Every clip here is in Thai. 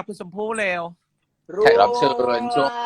คุณชมพู่เร็วแขกรับเชิญช่วง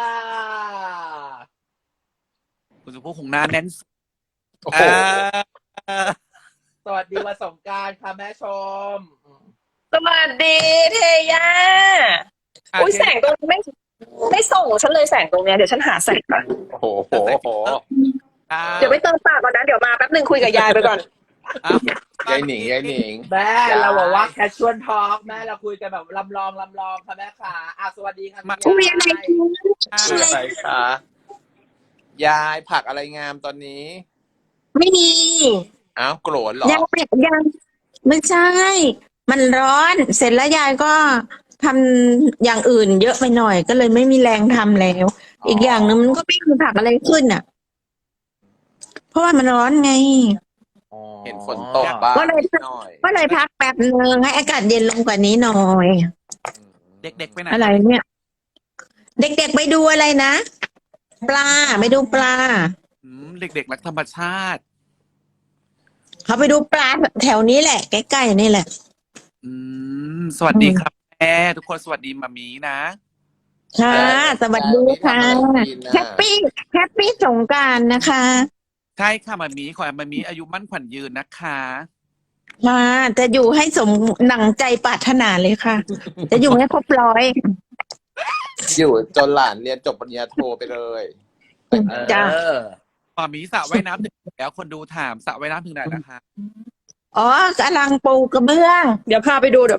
คุณชมพู่คงหน้าแน่นสุดโอ้โหสวัสดีวันสงกรานต์ค่ะแม่ชมสวัสดีเทย่าอุ้ยเทแสงตรงนี้ไม่ส่งฉันเลยแสงตรงเนี้ยเดี๋ยวฉันหาแสงก่อนโอ้โหโอ้โหเดี๋ยวไปเติมปากก่อนนะเดี๋ยวมาแป๊บนึงคุยกับยายไปก่อนยายหนิงยายหนิงแม่เราบอกว่าแคชชวลทอล์กแม่เราคุยกันแบบลำลองค่ะแม่ขาสวัสดีค่ะคุณคุยยาอะไรยชื่ออะไรคะยายผักอะไรงามตอนนี้ไม่มีอ้าวโกรธเหรอยังไม่ใช่ มันร้อน เสร็จแล้วยายก็ทำอย่างอื่นเยอะไปหน่อย ก็เลยไม่มีแรงทำแล้ว อีกอย่างหนึ่งมันก็ไม่มีผักอะไรขึ้นอ่ะ เพราะว่ามันร้อนไงเห็นฝนตกบ้างก็เลยนิดหน่อยก็เลยพักแป๊บนึงให้อากาศเย็นลงกว่านี้หน่อยเด็กๆไปไหนอะไรเนี่ย เด็กๆไปดูอะไรนะ ปลาไปดูปลาเด็กๆรักธรรมชาติเขาไปดูปลาแถวนี้แหละใกล้ๆนี่แหละสวัสดีครับแม่ทุกคนสวัสดีมามีนะค่ะ สวัสดีค่ะทำอะไรกินน่ะแฮปปี้สงกรานต์นะคะใช่ค่ะมามีขอให้มามีอายุมั่นขวัญยืนนะคะค่ะจะอยู่ให้สมหนังใจปรารถนาเลยค่ะ จะอยู่ให้ครบร้อยอยู่จนหลานเรียนจบปริญญาโทไปเลยจ้ะมามีสระว่ายน้ำถึงแล้วคนดูถามสระว่ายน้ำถึงไหนนะคะอ๋อกำลังปูกระเบื้องเดี๋ยวพาไปดู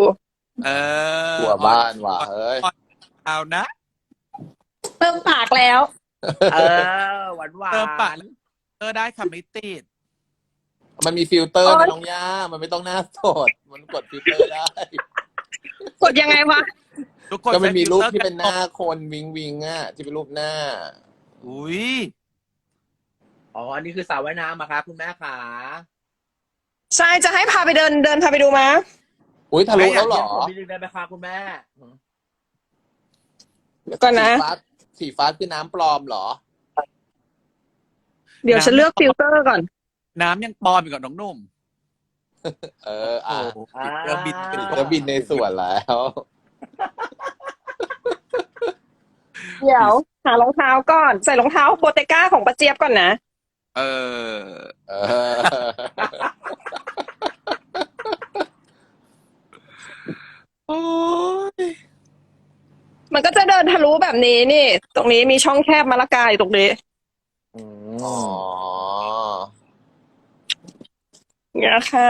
เออตัวบ้านว่ะเฮ้ยเอานะเติมปากแล้วหวานเติมปากได้ค่ะไม่ติดมันมีฟิลเตอร์โอ๊นะยน้องย่ามันไม่ต้องหน้าสดมันกดฟิลเตอร์ได้กดยังไงวะทุกคนก็มันมีรูปใช้ที่เป็นหน้าฟิลตอร์คนวิงวิงอ่ะที่เป็นรูปหน้าอุ้ยอันนี้คือสระว่ายน้ำอะคะคุณแม่ขาใช่จะให้พาไปเดินพาไปดูมาอุ้ยทะลุแล้วเหรอผมมีนึงได้ไหมคะคุณแม่เดี๋ยวก่อนนะสีฟ้าคือน้ำปลอมเหรอเดี๋ยวฉันเลือกฟิลเตอร์ก่อนน้ำยังปลอมอยู่กับน้องหนุ่มเอออ่ะโอ้โหเรือบินเป็นจะบินในส่วนแล้วเดี๋ยวหารองเท้าก่อนใส่รองเท้าโบเตก้าของป้าเจี๊ยบก่อนนะเออเออโอ้ยมันก็จะเดินทะลุแบบนี้นี่ ตรงนี้มีช่องแคบมะละกาอยู่ตรงนี้อ๋อเนี่ยค่ะ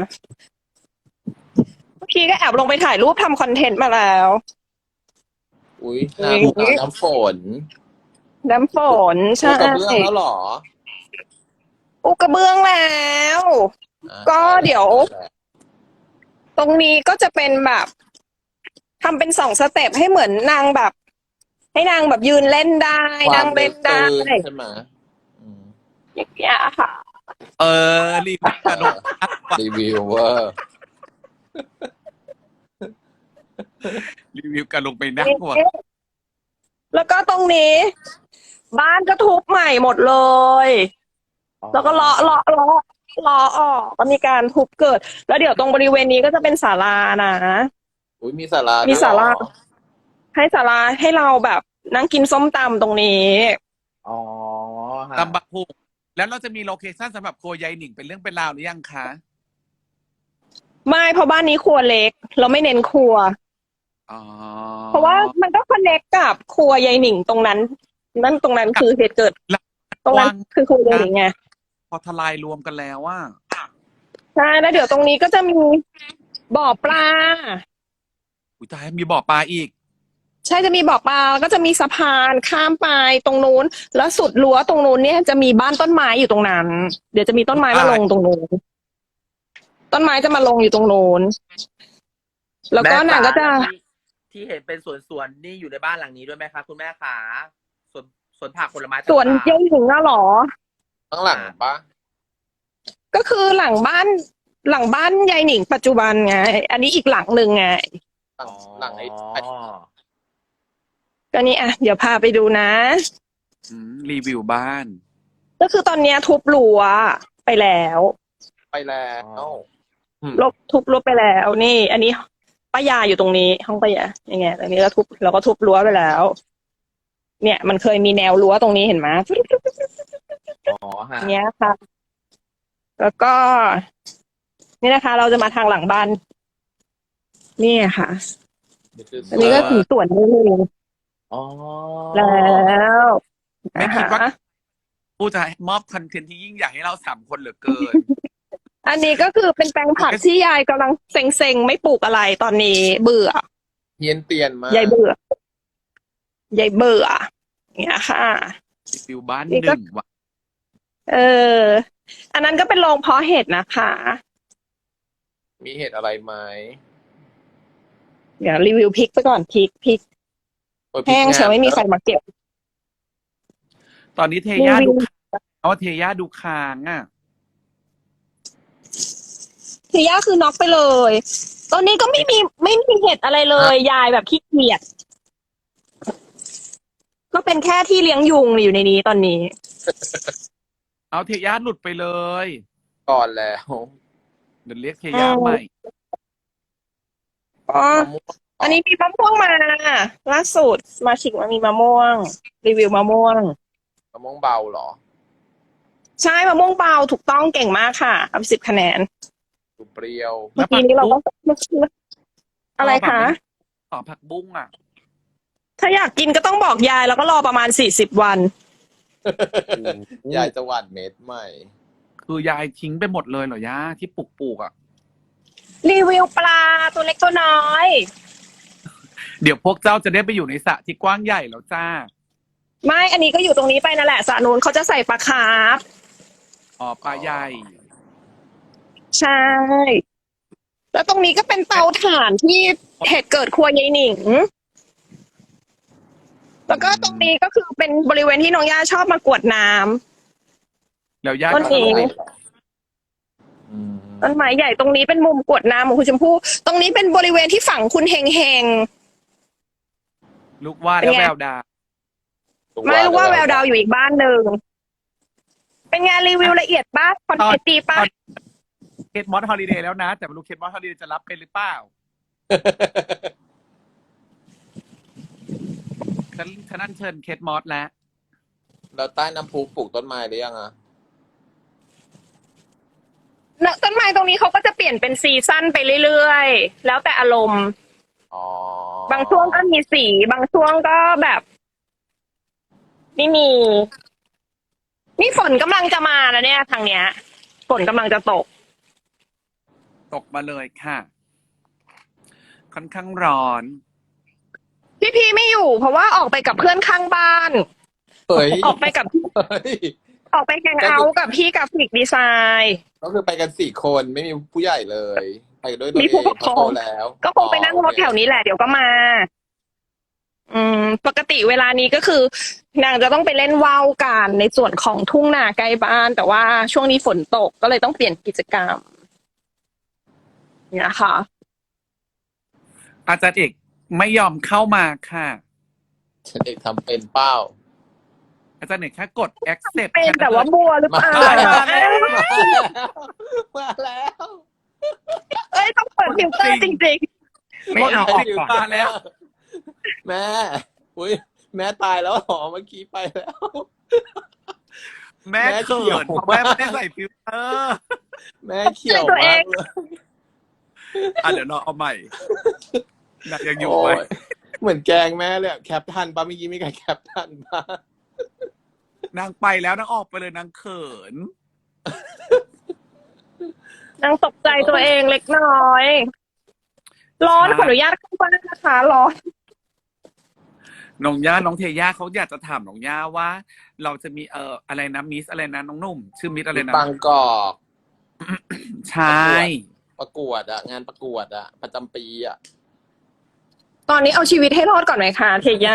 เมื่อกี้ก็แอบลงไปถ่ายรูปทำคอนเทนต์มาแล้วอุ้ย น้ำฝนน้ำฝนปูใช่กระเบื้องแล้วเหรออุกระเบื้องแล้วอ่ะก็เดี๋ยว ตรงนี้ก็จะเป็นแบบทำเป็น2 สเต็ปให้เหมือนนางแบบ ให้นางแบบยืนเล่นได้นั่งเล่นได้ความลึกตื้นใช่ไหมอืมอย่างเงี้ยค่ะรีบกระโดดรีวิวเวอร์รีวิวกันลงไปนั่งหัวแล้วก็ตรงนี้ บ้านก็ทุบใหม่หมดเลย แล้วก็เลาะออกก็มีการทุบเกิด แล้วเดี๋ยวตรงบริเวณนี้ก็จะเป็นศาลานะอุ้ยมีศาลามีด้วยศาลาเหรอให้ศาลาให้เราแบบนั่งกินส้มตำตรงนี้ค่ะตำบักหุ่งแล้วเราจะมีโลเคชั่นสำหรับครัวยายหนิงเป็นเรื่องเป็นราวหรือยังคะไม่เพราะบ้านนี้ครัวเล็ก เราไม่เน้นครัวอ๋อเพราะว่ามันก็คอนเนคกับครัวยายหนิงตรงนั้น นั่นตรงนั้นคือเหตุเกิด ตรงนั้นคือครัวยายหนิงไงพอทลายรวมกันแล้วว่าใช่แล้วเดี๋ยวตรงนี้ก็จะมีบ่อปลาอุ้ยตายมีบ่อปลาอีกใช่จะมีบ่อปลาแล้วก็จะมีสะพานข้ามไปตรงนู้น แล้วสุดรั้วตรงนู้นเนี่ยจะมีบ้านต้นไม้อยู่ตรงนั้น เดี๋ยวจะมีต้นไม้มาลงตรงนู้นต้นไม้จะมาลงอยู่ตรงนู้นแล้วก็นางก็จะที่เห็นเป็นสวนนี่อยู่ในบ้านหลังนี้ด้วยไหมคะคุณแม่ขาสวนผักผลไม้สวนต่างๆยายหนิงน่ะเหรอข้างหลังปะก็คือหลังบ้านยายหนิงปัจจุบันไง อันนี้อีกหลังหนึ่งไงหลังไอ้ก็นี่อ่ะเดี๋ยวพาไปดูนะรีวิวบ้านก็คือตอนเนี้ยทุบรั้วไปแล้วไปแล้วทุบรั้วไปแล้วนี่ อันนี้ป้ายาอยู่ตรงนี้ ห้องป้ายายังไงตรงนี้เราก็ทุบรั้วไปแล้ว เนี่ย มันเคยมีแนวรั้วตรงนี้เห็นไหมอ๋อฮะเนี้ยค่ะ แล้วก็ นี่นะคะ เราจะมาทางหลังบ้านนี่ค่ะนี่คืออันนี้ก็ถึงสวนนี่เลยอ๋อแล้วไม่คิดว่านะคะผู้จะมอบคอนเทนต์ที่ยิ่งใหญ่ให้เรา3 คนเหลือเกินอันนี้ก็คือเป็นแปลงผักที่ยายกำลังเซ็งๆไม่ปลูกอะไรตอนนี้เบื่อเฮียนเตียนมากยายเบื่อยายเบื่อเนี่ยค่ะฟิวบ้านนี่หก็นึ่งว่ะอันนั้นก็เป็นโรงเพาะเห็ดนะคะมีเหตุอะไรไหมเดี๋ยวรีวิวพริกไปก่อนพริกโอ้ยแห้งพริกเชียวไม่มีใครมาเก็บตอนนี้เทย่ารีวิดูวเอาเทย่าดูค้างอ่ะคือย่าคือน็อกไปเลย ตอนนี้ก็ไม่มีเห็ดอะไรเลย ยายแบบขี้เกียจก็เป็นแค่ที่เลี้ยงยุงอยู่ในนี้ตอนนี้เอาเทย่าหลุดไปเลยก่อนแล้วเดี๋ยวเรียกเทย่าใหม่อ๋อมะม่วงอันนี้มีมะม่วงมาล่าสุดมาชิกมามีมะม่วง รีวิวมะม่วงมะม่วงเบาเหรอใช่มะม่วงเบาถูกต้องเก่งมากค่ะเอา10 คะแนนดูเปรี้ยวเมื่อกี้นี้เราก็อะไรคะต่อผักบุ้งอ่ะถ้าอยากกินก็ต้องบอกยายแล้วก็รอประมาณ40 วันยายจะหว่านเม็ดใหม่คือยายทิ้งไปหมดเลยเหรอย่าที่ปลูกอ่ะรีวิวปลาตัวเล็กตัวน้อยเดี๋ยวพวกเจ้าจะได้ไปอยู่ในสระที่กว้างใหญ่แล้วจ้าไม่ อันนี้ก็อยู่ตรงนี้ไปนั่นแหละสระนู้นเขาจะใส่ปลาคาร์ฟอ๋อปลาใหญ่ใช่ แล้วตรงนี้ก็เป็นเตาถ่านที่เหตุเกิดครัวยายหนิง แล้วก็ตรงนี้ก็คือเป็นบริเวณที่น้องย่าชอบมากรวดน้ำแล้วย่าต้นเองอืมต้นไม้ใหญ่ตรงนี้เป็นมุมกรวดน้ำของคุณชมพู่ตรงนี้เป็นบริเวณที่ฝังคุณเฮงเฮงลูกว่าแล้วแววดาไม่รู้ว่าแววดาวอยู่อีกบ้านหนึ่งเป็นงานรีวิวละเอียดบ้างคอนเทนต์ดีป่ะเคทมอสฮอลิเดย์แล้วนะ แต่ไม่รู้เคทมอสฮอลิเดย์จะรับเป็นหรือเปล่าฉันนั่นเชิญเคทมอสแล้วแล้วใต้น้ำพุปลูกต้นไม้หรือยังอ่ะต้นไม้ตรงนี้เขาก็จะเปลี่ยนเป็นซีซั่นไปเรื่อยๆ แล้วแต่อารมณ์อ๋อบางช่วงก็มีสี บางช่วงก็แบบไม่มี นี่ฝนกำลังจะมาแล้วเนี่ยทางเนี้ย ฝนกำลังจะตกตกมาเลยค่ะ ค่อนข้างร้อนพี่ไม่อยู่ เพราะว่าออกไปกับเพื่อนข้างบ้านเฮ้ยออกไปกับเฮ้ยออกไปแฮงเอาท์กับพี่กราฟิกดีไซน์ก็คือไปกัน4 คนไม่มีผู้ใหญ่เลย ไปด้วยตัวมีเองผู้ปกครองโตแล้วก็คงไปนั่งรถแถวนี้แหละเดี๋ยวก็มา ปกติเวลานี้ก็คือนางจะต้องไปเล่นว่าวกันในส่วนของทุ่งนาใกล้บ้าน แต่ว่าช่วงนี้ฝนตกก็เลยต้องเปลี่ยนกิจกรรมเนี่ยค่ะอาจารย์เอกไม่ยอมเข้ามาค่ะฉันเอกทำเป็นเป้าอาจารย์เอกแค่กด accept เป็นแต่ว่าบัวหรือเปล่ามาแล้วเอ้ยต้องเปิดฟิลเตอร์จริงไม่เอาออกก่อนมาแล้วแม่อุ้ยแม่ตายแล้วเหรอเมื่อกี้ไปแล้วแม่แม่เขิเขียวนเพราะแม่ไม่ได้ใส่ฟิลเตอร์แม่เขียวมากเลยเดี๋ยวเราเอาใหม่น่ะยังอยู่โอ้ไหมยเหมือนแกล้งแม่เลยอะแคปทันปะเมื่อกี้มีใครแคปทันปะนางไปแล้วนางออกไปเลยนางเขินๆนางตกใจตัวเองเล็กน้อย ร้อนขออนุญาตเข้าบ้านนะคะร้อนน้องย่าน้องเทย่าเขาอยากจะถามน้องย่าว่า เราจะมีอะไรนะมิสอะไรนะน้องหนุ่ม ชื่อมิสอะไรนะบางกอกใช่ประกวดอะงานประกวดอะประจำปีอะตอนนี้เอาชีวิตให้รอดก่อนไหมคะเทย่า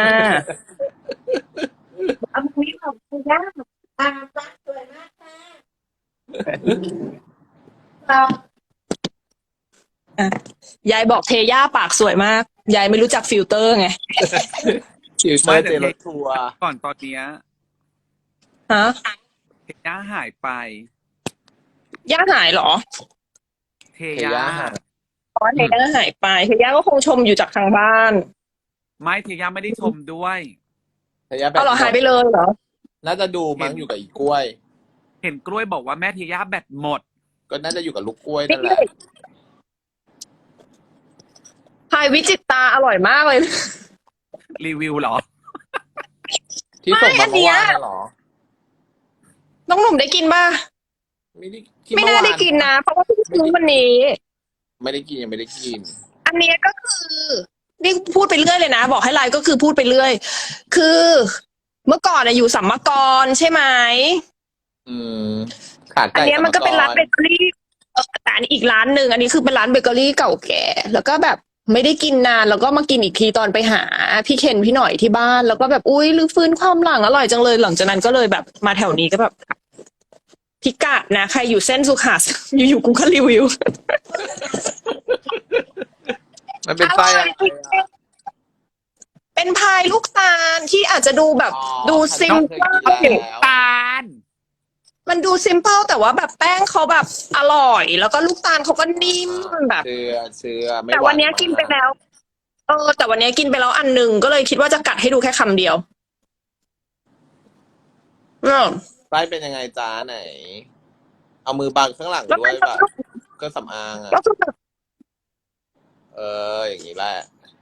เอาชีวิตของเทย่าสวยมากค่ะยายบอกเทย่าปากสวยมาก ยายไม่รู้จักฟิลเตอร์ไงคิวเตอร์เจรถทัวร์ก่อนตอนเนี้ยฮะเทย่าหายไปย่าหายเหรอเทเทย่าย่าหายเพราะว่าเทย่าหายไปเทย่าก็คงชมอยู่จากทางบ้านไม่เทย่าไม่ได้ชมด้วยเทย่าแบเอาบเหรอหายไปเลยเหรอน่าจะดูมั้งอยู่กับอีกล้วยเห็นกล้วยบอกว่าแม่เทย่าแบตหมดก็น่าจะอยู่กับลูกกล้วยนั่นแหละพายวิจิตตาอร่อยมากเลยรีวิวเหรอที่ส่งไม่อัมาน เมื่เนี้อย วานน่ะเหรอน้องหนุ่มได้กินป่ะไม่ได้ที่ไม่เมื่อน่าวานได้กินนะ เพราะว่าเพิ่งซื้อวันนี้ไม่ได้กินยังไม่ได้กินอันเนี้ยก็คือนี่พูดไปเรื่อยเลยนะ บอกให้ไลน์ก็คือพูดไปเรื่อย คือเมื่อก่อนอยู่สัมมกรใช่ไหมอืมขาดอันไก่เนี้ยมันก็เป็นร้านเบเกอรี่แต่อันนี้อีกร้านหนึ่งอันนี้คือเป็นร้านเบเกอรี่เก่าแก่ แล้วก็แบบไม่ได้กินนานแล้วก็มากินอีกทีตอนไปหาพี่เคนพี่หน่อยที่บ้าน แล้วก็แบบอุ้ยรื้อฟื้นความหลังอร่อยจังเลย หลังจากนั้นก็เลยแบบมาแถวนี้ก็แบบพิกัดนะใครอยู่เส้นสุขา อยู่ๆกูก็รีวิวมันเป็นอไส้ร่ออะยไรจริงอะๆเป็นพายลูกตาลที่อาจจะดูแบบอ๋อดูซิมเคยกินแล้วตาลมันดูซิมเปิลแต่ว่าแบบแป้งเขาแบบอร่อย แล้วก็ลูกตาลเขาก็นิ่มแบบเชื่อไม่แต่วันเนี้ยหากินไปแล้ว แต่วันเนี้ยกินไปแล้วอันหนึ่งก็เลยคิดว่าจะกัดให้ดูแค่คำเดียวอืมไส้เป็นยังไงจ้าไหน เอามือบังข้างหลังแล้วด้วยมันแบบก็สำอางอ่ะก็คือแบบอย่างนี้แหละ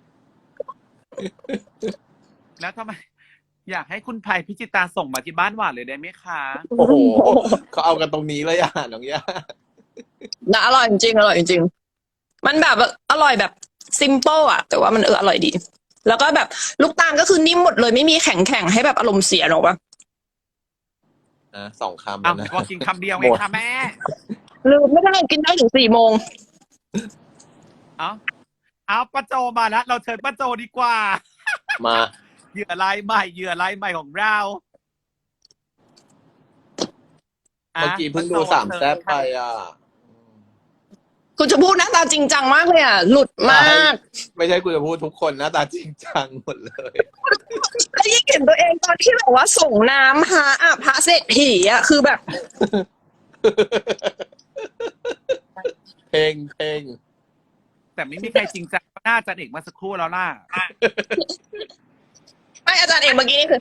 แล้วทำไม อยากให้คุณไผ่พิจิตราส่งมาที่บ้านหวานเลยได้ไหมคะโอ้โหเขาเอากันตรงนี้เลยอ่ะน้องย่านะอร่อยจริงๆอร่อยจริงๆมันแบบอร่อยแบบซิมเปิลอะแต่ว่ามันอร่อยดี แล้วก็แบบลูกตาลก็คือนิ่มหมดเลยไม่มีแข็งๆให้แบบอารมณ์เสียหรอกปะนะ2 คำอ้าวนะพอกินคำเดียวไงหมดคะแม่ลืมไม่ได้กินได้ถึง4 โมงเอาป้าโจมาแล้วเราเชิญป้าโจดีกว่ามาเหยื่อรายใหม่ของเราเมื่อกี้เพิ่งดูสามแซ่บไปอ่ะคุณจะพูดหน้าตาจริงจังมากเลยอ่ะ หลุดมากไม่ใช่กูจะพูดทุกคนหน้าตาจริงจังหมดเลยแล้วยิ่งเห็นตัวเองตอนที่แบบว่าส่งน้ำพระเศรษฐีอ่ะคือแบบเพลงแต่ไม่มีใครจริงจังน่าจะเด็กมาสักครู่แล้วล่ะไม่อาจารย์เอกเมื่อกี้นี่คือ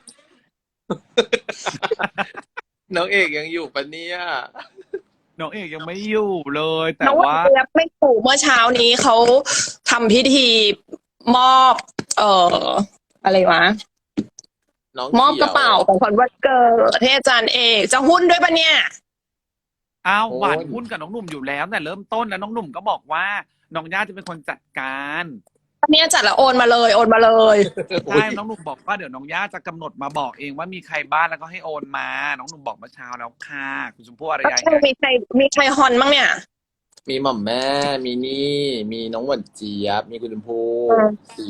น้องเอกยังอยู่ปะเนี่ยน้องเอกยังไม่อยู่เลย แต่น้องว่าเจี๊ยบไม่ถูกเมื่อเช้านี้เขาทำพิธีมอบ อะไรวะน้องมอบขียวกระเป๋าของขวัญวันเกิดให้อาจารย์เอกจะหุ้นด้วยปะเนี่ยอ้าวโอ้ยหวานหุ้นกับน้องหนุ่มอยู่แล้วแต่เริ่มต้นแล้วน้องหนุ่มก็บอกว่าน้องย่าจะเป็นคนจัดการอันเนี้ยจัดแล้วโอนมาเลยโอนมาเลยใช่น้องหนุ่มบอกว่าเดี๋ยวน้องย่าจะกำหนดมาบอกเองว่ามีใครบ้านแล้วก็ให้โอนมา น้องหนุ่มบอกเมื่อเช้าแล้วค่ะคุณชมพู่อารยามีใครฮอนบ้างเนี่ยมีหม่อมแม่ มีนี่ มีน้องหวานเจี๊ยบ มีคุณชมพู่อืมสี่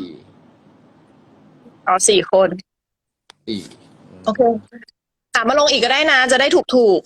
4 คนสี่โอเคมาลงอีกก็ได้นะ จะได้ถูก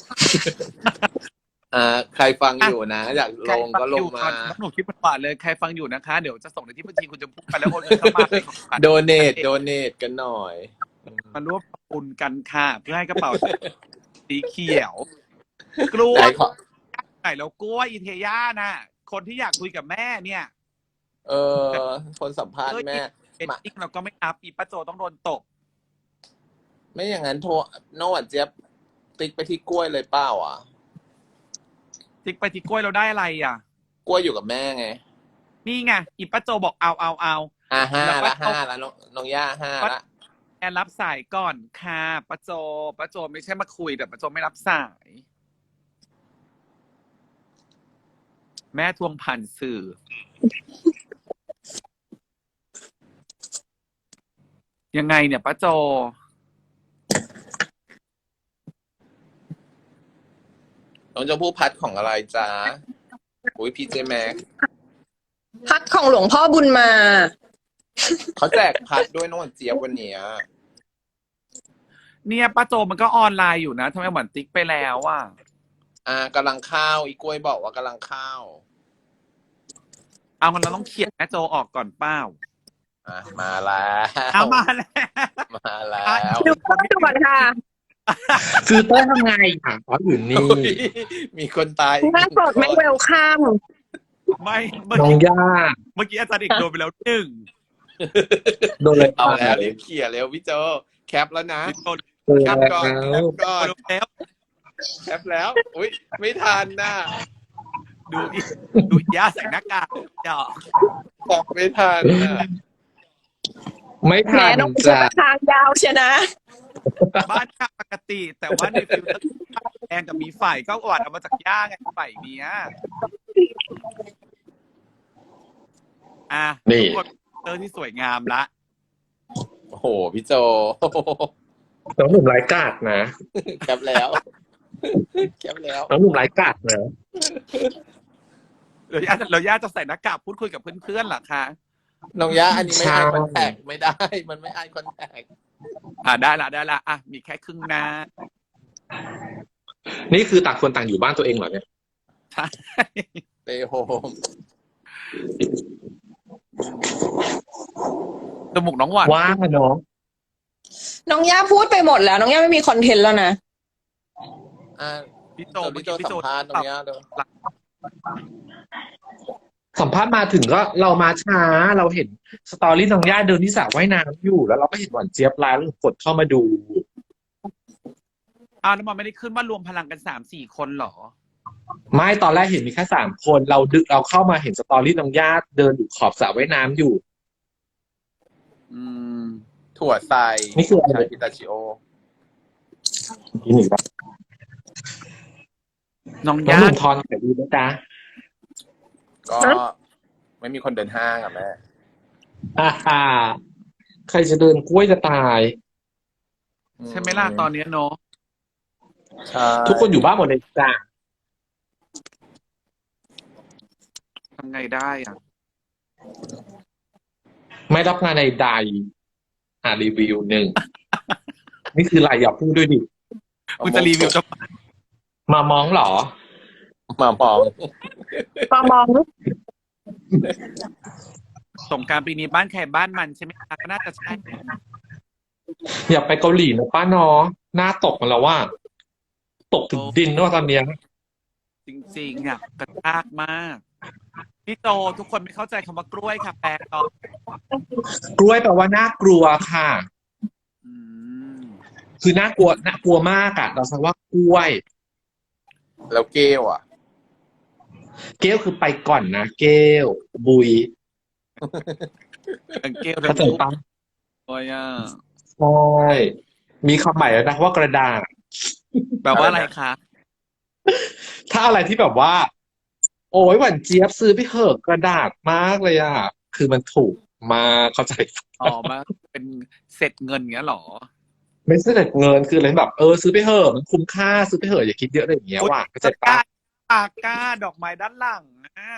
ใครฟังอยู่นะ อยากใคลรง ฟัก็งลอง ยู่มาน้องหนุ่มคิดเป็นบาทเลยใครฟังอยู่นะคะ เดี๋ยวจะส่งในที่บัญชีคุณชมพู่ไปแล้วโอนเงินเข้ามาเป็นของขวัญโดเนทกันหน่อยมาร่วมทำบุญกันค่ะ เพื่อให้กระเป๋าสีเขียว กล้วยไหนขอไหนแล้วกล้วยอินเทย่าน่ะ คนที่อยากคุยกับแม่เนี่ยคนสัมภาษณ์แม่เอ็ดดิ้งเราก็ไม่นับอีป้าโจต้องโดนตบไม่อย่างนั้นโทรน้องหวานเจี๊ยบติ๊กไปที่กล้วยเลยเปล่าอ่ะติ๊กไปที่กล้วยเราได้อะไรอ่ะกล้วยอยู่กับแม่ไงนี่ไงอีป้าโจบอกเอาห้าแล้วก็ละห้าละน้องย่าห้าละแอนรับสายก่อนค่ะป้าโจไม่ใช่มาคุยแต่ป้าโจไม่รับสาย แม่ทวงผ่านสื่อ ยังไงเนี่ยป้าโจน้องจะพูดพัดของอะไรจ๊ะอุ้ยพีเจแม็กพัดของหลวงพ่อบุญมาเขาแจกพัดด้วยน้องหวานเจี๊ยบวันเนี้ยเนี่ยป้าโจมันก็ออนไลน์อยู่นะทำไมเหมือนติ๊กไปแล้วอ่ะกำลังเข้าวอีกล้วยบอกว่ากำลังเข้าวเอามันเราต้องเขียนแม่โจออกก่อนเป้ามาแล้วเอามาแล้วมาแล้วดูก่อนค่ะคือเต้ยทำไงอ่ะอ๋ออยู่นี่อุ๊ยมีคนตายอีกหน้าสดไม่เวลคัมไม่เมื่อน้องกี้ย่าเมื่อกี้อาจารย์เอกโดนไปแล้วหนึ่งโดนอะไรเอาแล้วไปรีบเขี่ยเร็วพี่โจแคปแล้วนะพี่โดนโดนแคปแล้ก่อนแคว ปก่อนแล้วแคปแล้ว อุ้ยไม่ทันน่ะดูย่าใส่หน้ากากเจาะแคปไม่ทันน่ะไม่แหมทันน้องจะจ้ะทางยาวเชียวนะบ้านข้างปกติ แต่ว่าในฟิลเตอร์แดงกับมีไฟก็อวดเอามาจากย่าไงไฟเนี้ยอ่ะนี่ทุกคนฟิลเตอร์ที่สวยงามละโอ้โหพี่โจน้องหนุ่มไร้กาดนะแคปแล้วแคปแล้วน้องหนุ่มไร้กาดนะเราย่าจะใส่หน้ากากพูดคุยกับเพื่อนๆเหรอคะน้องย่าอันนี้ไม่ไอคอนแทคไม่ได้ มันไม่ไอคอนแทคได้ละอ่ะมีแค่ครึ่งหน้านี่คือต่างคนต่างอยู่บ้านตัวเองเหรอเนี่ยใช่เตโฮมจมูกน้องหวานว่างอะน้องน้องย่าพูดไปหมดแล้ว น้องย่าไม่มีคอนเทนต์แล้วนะอ่ะพี่โจพี่โจสัมภาษณ์น้องย่าเดี๋ยวสัมภาษณ์มาถึงก็เรามาช้าเราเห็นสตอรี่น้องย่าเดินที่สระว่ายน้ำอยู่แล้วเราก็เห็นหวานเจี๊ยบไลน์แล้วกดเข้ามาดูแล้วมันไม่ได้ขึ้นว่ารวมพลังกัน3-4 คนเหรอไม่ตอนแรกเห็นมีแค่3 คนเราเข้ามาเห็นสตอรี่น้องย่าเดินอยู่ขอบสระว่ายน้ำอยู่อืมถั่วใส่นี่คืออะไรชาพิตาชิโอนี่หนึ่งครับน้องน้องย่าหนุ่มทอนขายดีนะจ๊ะก็ไม่มีคนเดินห้างอ่ะแม่ฮ่าใครจะเดินกล้วยจะตายใช่ไหมล่ะตอนนี้เนาะใช่ทุกคนอยู่บ้านหมดเลยจ้ะทำไงได้อ่ะไม่รับงานใดๆรีวิวหนึ่ง นี่คืออะไรอย่าพูดด้วยดิคุณจะรีวิวจะมามองเหรอมามองมองสงกรานต์ปีนี้บ้านใครบ้านมันใช่ไหมคะก็น่าจะใช่อย่าไปเกาหลีนะป้าเนาะหน้าตกมาแล้วว่า ตกถึงดินแล้วตอนเนี้ยจริงๆอ่ะกระชากมากพี่โตทุกคนไม่เข้าใจคำว่ากล้วยค่ะแปลต่อกล้วยแปลว่าน่ากลัวค่ะอืมคือน่ากลัวมากอะเราใช้ว่ากล้วยแล้วเกลอ่ะเกลคือไปก่อนนะเกลบุยเกลเข้าใจปะโอ้ยอ่ะใช่มีคำใหม่แล้วนะว่ากระดาษแปลว่าอะไรคะถ้าอะไรที่แบบว่า โอ้ยหวานเจี๊ยบซื้อไปเถอะกระดาษมากเลยอะคือมันถูกมากเข้าใจมาเป็นเสร็จเงินเงี้ยเหรอไม่ใช่แต่เงินคืออะไรแบบซื้อไปเถอะมันคุ้มค่าซื้อไปเถอะอย่าคิดเยอะอะไรอย่างเงี้ยว่ะเข้าใจปะปากกาดอกไม้ด้านหลังอ่ะ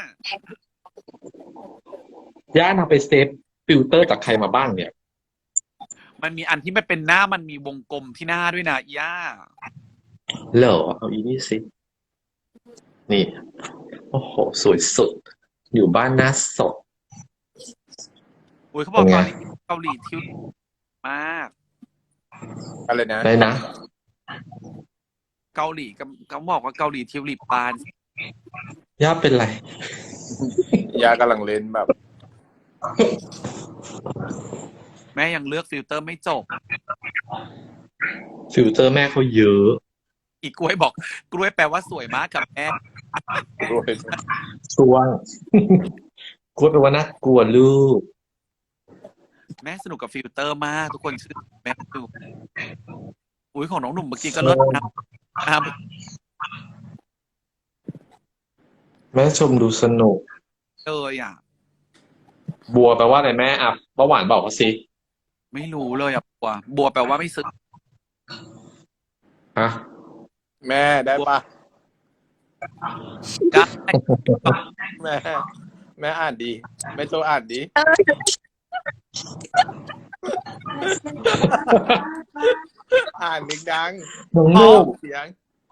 ย่านำไปเซฟฟิลเตอร์จากใครมาบ้างเนี่ยมันมีอันที่มันเป็นหน้ามันมีวงกลมที่หน้าด้วยนะย่าเหรอเอาอีนี่สินี่ โอ้โห สวยสุด อยู่บ้านหน้าสดอุ้ยเขาบอกเป็นไงตอนนี้เกาหลีทิวมากอะไรนะได้นะเกาหลีเขาบอกว่าเกาหลีทิวลิปบานย่าเป็นไรยากำลังเล่นแบบแม่ยังเลือกฟิลเตอร์ไม่จบฟิลเตอร์แม่เขาเยอะอีกกล้วยบอกกล้วยแปลว่าสวยมากกับแม่ด้วยช่วง กลัวแปลว่าน่ากลัวลูกแม่สนุกกับฟิลเตอร์มากทุกคนชื่อแม่ดูอุ้ยของน้องหนุ่มเมื่อกี้ก็เลิศนะแม่ชมดูสนุกเลยอ่ะบัวแปลว่าอะไรแม่อ่ะเบาหวานบอกเขาสิไม่รู้เลยอ่ะบัวแปลว่าไม่ซื้อฮะแม่ได้ปะได้แม่อ่านดีแม่โจอ่านดีอ่านดังน้องๆนุ่มเสียง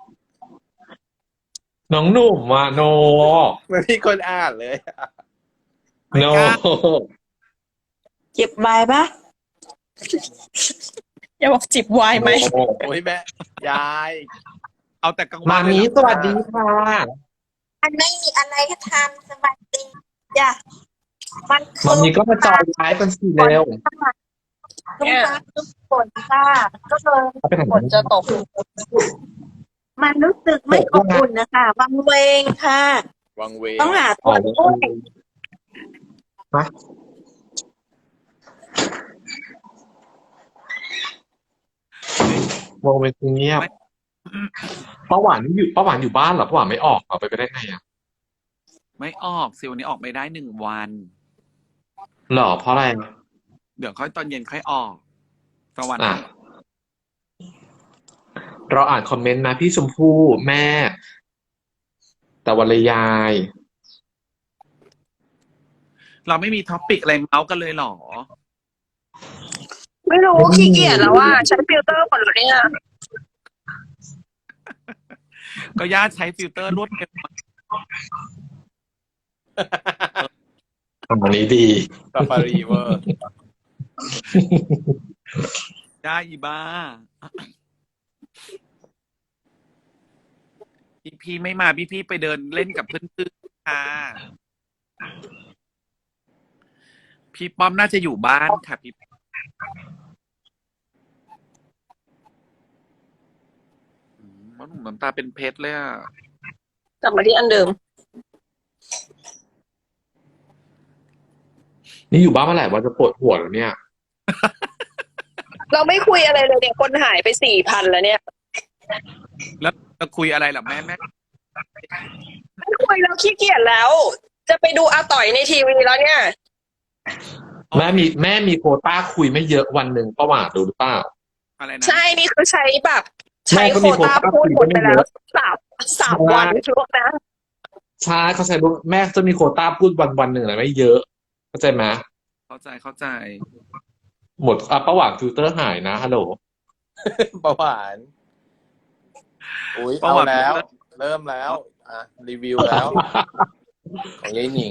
น้องหนุ่มอ่ะโนไม่มีคนอ่านเลยโนเจ็บใบปะอย่าบอกจิบไวน์ไหมโอ้ยแม่ยายเอาแต่กลางวัมานเลยมีเหรอสวัสดีค่ะมันไม่มีอะไรก็ทำสบายดีจ้ะมันวันนี้ก็มาจอยไลฟ์กันสิเร็วทุกฟ้าทุกฝนค่ะก็เลยเอาไปไหนฝนจะตกมันรู้สึกไม่อบอุ่นนะคะวังเวงค่ะวังเวงต้องหาอ๋ตัอวช่วยฮะวงเวียนเงียบป้าหวานอยู่บ้านเหรอป้าหวานไม่ออกเอาไปได้ไงอ่ะไม่ออกสิวันนี้ออกไม่ได้1 วันเหรอเพราะอะไรเดี๋ยวค่อยตอนเย็นค่อยออกตะวันอ่ะเราอ่านคอมเมนต์นะพี่ชมพู่แม่ แต่วันเลยยายเราไม่มีท็อปิกอะไรเมาส์กันเลยเหรอไม่รู้ขี้เกียจแล้วว่าใช้ฟิลเตอร์หมดแล้วเนี่ยก็ญาติใช้ฟิลเตอร์รวดเร็วอันนี้ดีซาฟารีเวอร์ได้อีบ้าพี่ไม่มาพี่ไปเดินเล่นกับเพื่อนๆค่ะพี่ป้อมน่าจะอยู่บ้านค่ะพี่ว่าหนุ่มน้ำตาเป็นเพชรเลยอ่ะกลับมาที่อันเดิมนี่อยู่บ้านเมื่อไหร่ว่าจะปวดหัวแล้วเนี่ยเราไม่คุยอะไรเลยเนี่ยคนหายไป4,000แล้วเนี่ยแล้วจะคุยอะไรล่ะแม่ไม่คุยแล้วขี้เกียจแล้ว จะไปดูอาต่อยในทีวีแล้วเนี่ยแม่มีโควต้าคุยไม่เยอะวันหนึ่งป้าหวานดูหรือเปล่าอะไรนะใช่นี่คือใช้แบบ ใช้แม่ก็โคมีต้าโควต้าพูดหมดไปแล้วคุยไม่เยอะสามวันช่วงนะใช่เขาใช้แม่จะมีโควต้าพูดวันหนึ่งนะไม่เยอะเข้าใจไหมเข้าใจหมดป้าหวานฟิลเตอร์หายนะฮัลโหลประหวาน อุ้ยประเอาวัติแล้ว เริ่มแล้ว อ่ะ รีวิวแล้ว ของยายหนิง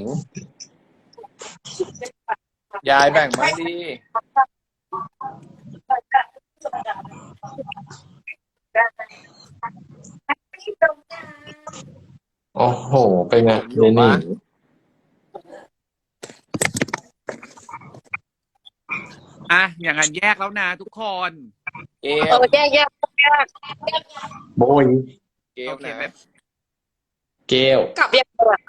ยายแบ่งมาดีโอ้โหเป็นไงอยู่เนปะนี่อ่ะอย่างนั้นแยกแล้วนะทุกคนเกเอลอแยกโบยเกลโอเคนะไหมเกลกลับยังไงอะ